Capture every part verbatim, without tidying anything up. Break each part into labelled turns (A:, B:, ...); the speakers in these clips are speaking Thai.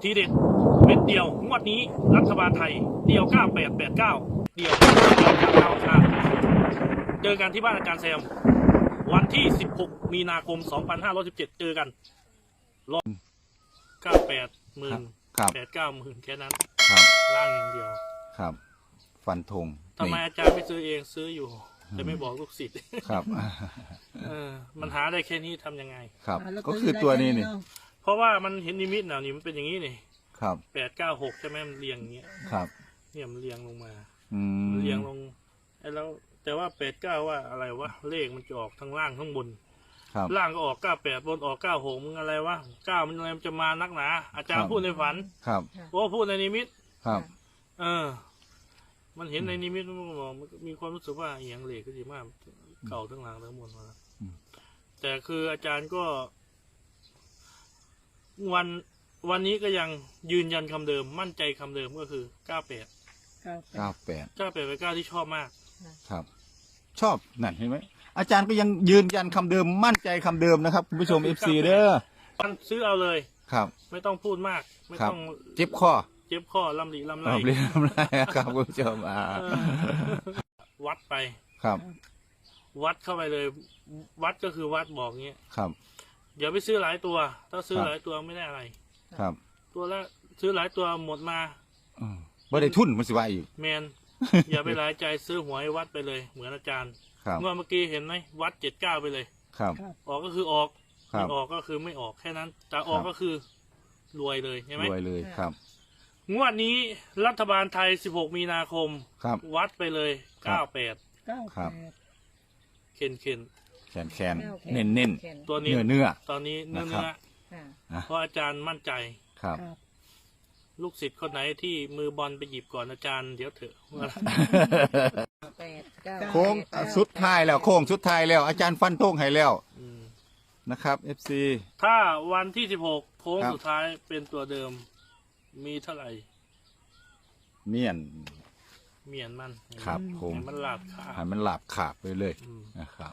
A: ทีเด็ดเม็ดเดียวงวดนี้รัฐบาลไทยเดียวเก้าแปดแปดเก้าเดียวดาวค่ะเจอกันที่บ้านอาจารย์แซมวันที่สิบหกมีนาคมสองพันห้าร้อยสิบเจ็ดเจอกันรอบเก้าแปดหมื่นแปดเก้าหมื่นแค่นั้นล่างอย่างเดียว
B: ครับฟันธง
A: ทำไมอาจารย์ไม่ซื้อเองซื้ออยู่แต่ไม่บอกลูกศิษย์
B: ครับ
A: เออมันหาได้แค่นี้ทำยังไง
B: ครับก็คือตัวนี้นี่
A: เพราะว่ามันเห็นนิมิตน่ะนี่มันเป็นอย่างนี้นี่
B: ครับ
A: แปดเก้าหกใช่ไหมมันเรียงอย่างเงี้ย
B: ครับ
A: เนี่ยมันเรียงลงมา
B: อืม
A: เรียงลงไอ้แล้วแต่ว่าแปดเก้าว่าอะไรวะเลขมันจะออกทั้งล่างทั้งบนล่างก็ออกเก้าแปดบนออกเก้าหกมึงอะไรวะเก้ามันอะไรมันจะมานักหนาอาจารย์พูดในฝัน
B: ครับ
A: โอ้พูดในนิมิต
B: ครับ
A: เออมันเห็นในนิมิตมันบอกมันมีความรู้สึกว่าอย่างเหล็กก็ดีมากเก่าทั้งหลังทั้งบนมาแต่คืออาจารย์ก็วันวันนี้ก็ยังยืนยันคำเดิมมั่นใจคำเดิมก็คือเก้าแปด
B: เก้าแปด
A: เก้าแปดเป็นเก้าที่ชอบมาก
B: ครับ ชอบนั่นเห็นไหมอาจารย์ก็ยังยืนยันคำเดิมมั่นใจคำเดิมนะครับคุณผู้ชมเอฟซีเด้อ
A: ซื้อเอาเลย
B: ครับ
A: ไม่ต้องพูดมากไม่ต้อง
B: เจ็บข้อ
A: เจ็บข้อลำหลีลำไร
B: ลำหลีลำไรครับคุณผู้ชมอ่า
A: วัดไป
B: ครับ
A: วัดเข้าไปเลย วัดก็คือวัดบอกเงี้ย
B: ครับ
A: อย่าไปซื้อหลายตัวถ้าซื้อหลายตัวไม่ได้อะไร
B: ครับ
A: ตัวละซื้อหลายตัวหมดมา
B: ไม่ได้ทุนมันสิว่าอีก
A: แมนอย่าไปหลายใจซื้อหวยวัดไปเลยเหมือนอาจารย์เมื่อเมื่อกี้เห็นไหมวัดเจ็ดเก้าไปเลย
B: ครับ
A: ออกก็คือออกไม่ออกก็คือไม่ออกแค่นั้นแต่ออกก็คือรวยเลยใช่ไหม
B: รวยเลยครับ
A: งวดนี้รัฐบาลไทยสิบหกมีนาคมวัดไปเลยเก้าแปด
B: ครับ
A: เข็นเข็น
B: แขนแขนเน้นเน้น
A: ตัวนี้
B: เนื้อเนื้อ
A: ตอนนี้เนื้อเนื้อเพราะอาจารย์มั่นใจ
B: ครับ
A: ลูกศิษย์คนไหนที่มือบอลไปหยิบก่อนอาจารย์เดี๋ยวเถอะ
B: โค้งสุดท้ายแล้วโค้งสุดท้ายแล้วอาจารย์ฟันธงให้แล้วนะครับเอฟซี
A: ถ้าวันที่สิบหกโค้งสุดท้ายเป็นตัวเดิมมีเท่าไหร่
B: เมียน
A: เมียนมัน
B: ครับผม
A: มันหลาบขา
B: ให้มันหลาบขาดไปเลยนะครับ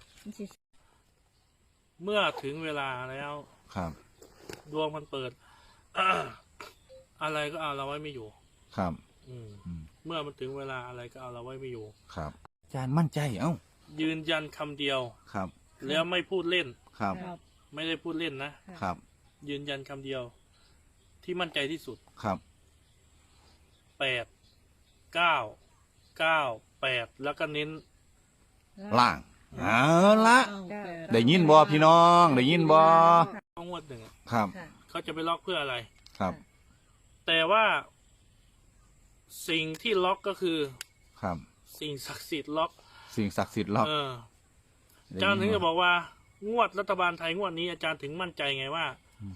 A: เมื่อถึงเวลาแล้ว
B: ครับ
A: ดวงมันเปิดอะไรก็เอาเราไว้ไม่อยู่
B: ครับ
A: เมื่อมันถึงเวลาอะไรก็เอาเราไว้ไม่อยู่
B: ครับอาจารย์มั่นใจเอ้า
A: ยืนยันคำเดียว
B: ครับ
A: แล้วไม่พูดเล่น
B: ครับ
A: ไม่ได้พูดเล่นนะครับยืนยันคำเดียวที่มั่นใจที่สุด
B: ครับ
A: แปดเก้าเก้าแปดแล้วก็เน้น
B: ล่างเอาละได้ยินบอพี่น้องได้ยินบอ
A: ต้องงวดหนึ่ง
B: ครับ
A: เขาจะไปล็อกเพื่ออะไร
B: ครับ
A: แต่ว่าสิ่งที่ล็อกก็คือ
B: ครับ
A: สิ่งศักดิ์สิทธิ์ล็อก
B: สิ่งศักดิ์สิทธิ์ล็อก
A: อาจารย์ถึงจะบอกว่างวดรัฐบาลไทยงวดนี้อาจารย์ถึงมั่นใจไงว่า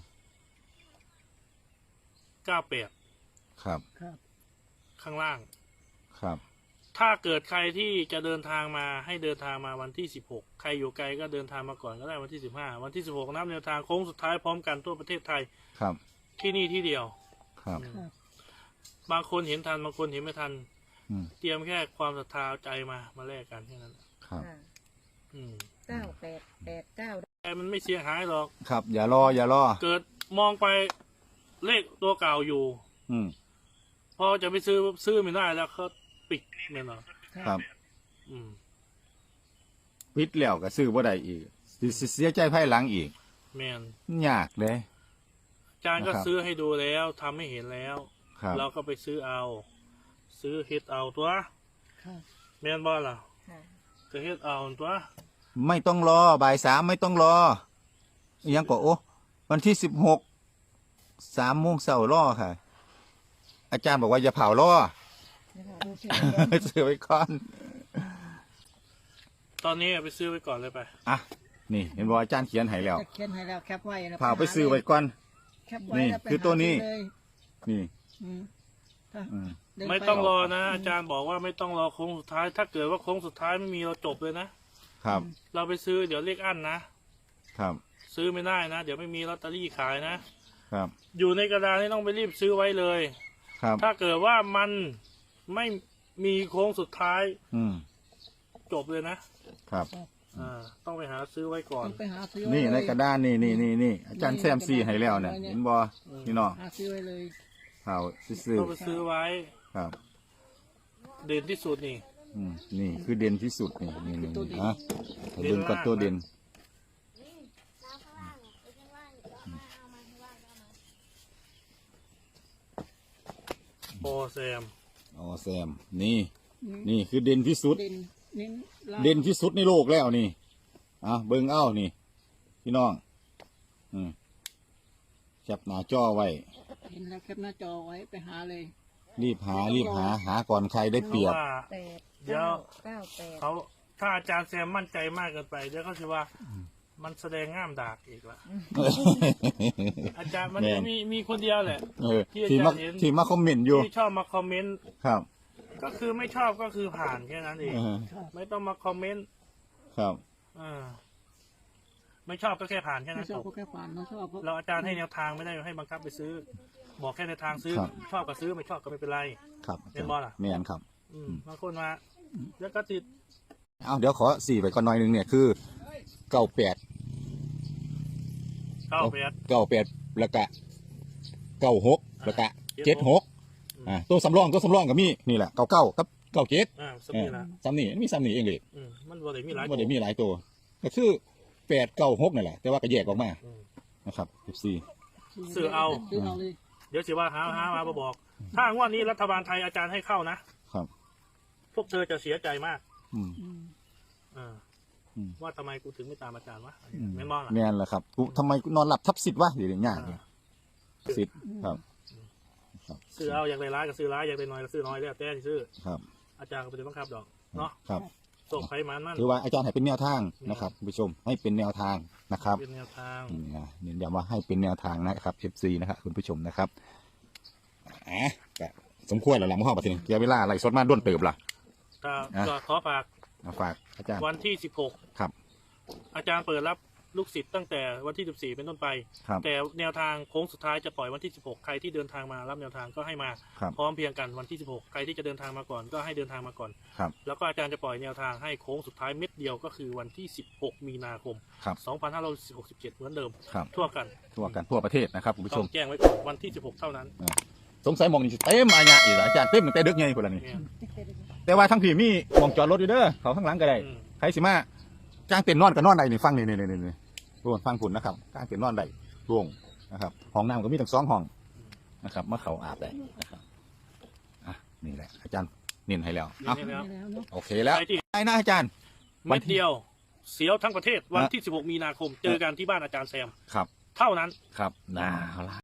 A: เก้าแปด
B: ครับ
A: ข้างล่าง
B: ครับ
A: ถ้าเกิดใครที่จะเดินทางมาให้เดินทางมาวันที่สิบหกใครอยู่ไกลก็เดินทางมาก่อนก็ได้วันที่สิบห้าวันที่สิบหกนับแนวทางโค้งสุดท้ายพร้อมกันทั่วประเทศไทย
B: ครับ
A: ที่นี่ที่เดียว
B: ครับ
A: บางคนเห็นทันบางคนเห็นไม่ทันเตรียมแค่ความศรัทธาใจมามาแลกกันแค่นั้น
B: ครับ
C: เก้าแปดแปดเก้า
A: แต่มันไม่เสียหายหรอก
B: ครับอย่ารออย่ารอ
A: เกิดมองไปเลขตัวเก่าอยู่
B: อืม
A: พอจะไปซื้อซื้อไม่ได้แล้วเขาปิดเนี่ยเนาะ
B: ครับอืมปิดแล้วก็ซื้อบ่ได้อีกเสียใจภายหลังอีก
A: แมน
B: ยากเลย
A: อาจารย์ก็ซื้อให้ดูแล้วทำให้เห็นแล้วเราก็ไปซื้อเอาซื้อเฮ็ดเอาตัวแมนบอลล่ะก็เฮ็ดเอาตัว
B: ไม่ต้องรอบ่ายสามไม่ต้องรอยังก็โอ้วันที่สิบหกสามโมงเช้ารอค่ะอาจารย์บอกว่าอย่าเผารอซื้อไว้ก่อน
A: ตอนนี้ไปซื้อไว้ก่อนเลยไป
B: อ่ะนี่เห็นบอกอาจารย์เขียนให้แล้ว
C: เขียนให้แล้วแคปไว้
B: เผาไปซื้อไว้ก่อนนี่คือตัวนี้นี่
A: ไม่ต้องรอนะอาจารย์บอกว่าไม่ต้องรอโค้งสุดท้ายถ้าเกิดว่าโค้งสุดท้ายไม่มีเราจบเลยนะครับเราไปซื้อเดี๋ยวเลขอั้นนะครับซื้อไม่ได้นะเดี๋ยวไม่มีลอตเตอรี่ขายนะครับอยู่ในกระดาษนี่ต้องไปรีบซื้อไว้เลย
B: ครับ
A: ถ้าเกิดว่ามันไม่มีโค้งสุดท้าย
B: อืม
A: จบเลยนะครับ
B: เ
A: อ่าต้องไปหาซื้อไว้ก่อน
C: ต้องไปหาซื้อ
B: นี่
C: ไว้
B: ใน
C: เลย
B: กระดานนี่นี่นี่นี่อาจารย์แซมซีให้แล้วเนี่ยเห็นบ่พี่น้อง
C: หาซื้อไว้เลย
B: เผาซื้อ
A: ต้องไปซื้อไว้
B: ๆครับ
A: เด่นที่สุดนี่
B: อืมนี่คือเด่นที่สุดนี่นี่นี่นี่ฮะให้เด่นกับตัวเด่น
A: โอแซม
B: อ๋อแซมนี่นี่คือเด่นที่สุด
C: เด่นเน้นลาย
B: เด่นที่สุดในโลกแล้วนี่อ่ะเบิ่งเอ้านี่ พี่น้องอืมจับหน้าจอไว้
C: เห็นแล้วแคปหน้าจอไว้ไปหาเลย
B: รีบหารีบหาหาก่อนใครได้เปรียบ
A: ว่า
C: แปด
A: เดี๋ยว
C: เก้าแปด
A: เขาถ้าอาจารย์แซมมั่นใจมากเกินไปเดี๋ยวเขาจะว่ามันแสดงง่ามดากอีกละอาจารย์มัน
B: แม่น
A: จะมีมีคนเดียวแหละ
B: เออ
A: ที่อา
B: ที่
A: จาร
B: มา
A: ย์เห็น
B: ที่มาคอมเมนต์อยู่
A: ที่ชอบมาคอมเมนต์
B: ครับ
A: ก็คือไม่ชอบก็คือผ่านแค่นั้นเอง
B: เออ
A: ไม่ต้องมาคอมเมนต์
B: ครับ
A: อ่าไม่ชอบก็แค่ผ่านแค่
C: ไม่
A: นั้น
C: ช
A: จ
C: อบบ ก็แค่ฝันไม่ชอบก็
A: เราอาจารย์ให้แนวทางไม่ได้ให้บังคับไปซื้อ บอกแค่ในวทางซื้อ
B: ครับ
A: ชอบก็ซื้อไม่ชอบก็ไม่เป็นไร
B: ครับ
A: เรียนบอลเหรอ
B: แม่นครับ
A: อืมบางคนมาแล้วก็ติด
B: เอาเดี๋ยวขอสี่ไปก่อนหน่อยหนึ่งเนี่ยคือเก้าแปด
A: เก้าแปด
B: เก้าแปดแล้วก็เก้าหกแล้วก็เจ็ดหก
A: อืม
B: อ่าตัวสำรองตัวสำรองก็มีนี่แหละเก้าเก้ากับเก้าเจ็ด
A: อ่าสมีละ
B: ซ้ำนี่มีซ้ำนี่เองเลย
A: อืมมันบ่ได้มีหลาย
B: ไม่ได้มีหลายตัว ก็คือแปดเก้าหกนั่นแหละแต่ว่าก็แยกออกมา
A: อืม
B: นะครับสิบสี่
A: ซื้อเอา
C: ซื้อเอาเลย
A: เดี๋ยวสิว่าหาหามาบอก ถ้างวดนี้รัฐบาลไทยอาจารย์ให้เข้านะครับ พวกเธอจะเสียใจมาก
B: อืม
C: อืม
A: อ่า
B: อืม
A: ว่าทำไมกูถึงไม่ตามอาจารย์วะ
B: อืม
A: แม่นบอลล่ะ
B: แม่นแหละครับกูทำไมกูนอนหลับทับสิทธิ์วะเดี๋ยวนี้ยากเนี่ยสิทธิ์ครับครับ
A: ซื้อเอาอยากได้ร้ายก็ซื้อร้ายอยากได้น้อยก็ซื้อน้อยแล้วแต่ที่ซื้อ
B: ครับ
A: อาจารย์ก็ไม่ได้บังคับดอกเนาะ
B: ครับ
A: ส่งไขมันมัน
B: ถือว่าอาจารย์ให้เป็นแนวทางนะครับคุณผู้ชมให้เป็นแนวทางนะครับ
A: เป็นแนวทาง
B: นี่นะเน้นย้ำว่าให้เป็นแนวทางนะครับ เอฟ ซี นะครับคุณผู้ชมนะครับอ่ะก็สมควรแล้วหลังห้องปฏิทินเกี่ยวเวลาอะไรสดมาด้วนเติบล่ะ
A: ก็
B: อ่ะ
A: ก็ขอฝาก
B: มาฝากอาจารย์
A: วันที่สิบหก
B: ครับ
A: อาจารย์เปิดรับลูกศิษย์ตั้งแต่วันที่สิบสี่เป็นต้นไป
B: ครับ
A: แต่แนวทางโค้งสุดท้ายจะปล่อยวันที่สิบหกใครที่เดินทางมารับแนวทางก็ให้มา
B: ครับ
A: พร้อมเพรียงกันวันที่สิบหกใครที่จะเดินทางมาก่อนก็ให้เดินทางมาก่อน
B: ครับ
A: แล้วก็อาจารย์จะปล่อยแนวทางให้โค้งสุดท้ายเม็ดเดียวก็คือวันที่สิบหกมีนาคม
B: ครับ
A: สองพันห้าร้อยหกสิบเจ็ดเหมือนเดิม
B: ครับ
A: ทั่วกัน
B: ทั่วกันทั่วประเทศนะครับคุณผู้ช
A: ต้อ
B: ม
A: งแจ้งไว้ก่อนวันที่สิบหกเท่านั้น
B: สงสัยหมองนี่สิเต็มอาญะอีกเหรออาจารย์เต็มตั้งแต่ดึกไงคนละนี่
A: เนี่ย
B: แต่ว่าทั้งพี่มีหมองจอดรถอยู่เด้อเขาข้างหลังก็ได้
A: อืม
B: ใครสิมาจ้างเต็นท์นอนก็นอนได้นี่ฟังนี่นี่นี่นี่ร่วงฟังผุนนะครับจ้างเต็นท์นอนได้ร่วงนะครับห้องน้ำก็มีทั้งสองห้องนะครับมาเขาอาบได้นะครับอ่ะนี่แหละอาจารย์เน้นให้แล้ว
A: เดี๋ย
B: เอา
A: วนี้แล้ว
C: ได้แล้วเนาะ
B: โอเคแล้ว
A: ใครที่
B: ได้นะอาจารย์
A: เม็ดเดียวเสียวทั้งประเทศวัน
B: ฮะ
A: ที่สิบหกมีนาคมเจอกันที่บ้านอาจารย์แซม
B: ครับ
A: เท่านั้น
B: ครับนะเอาละ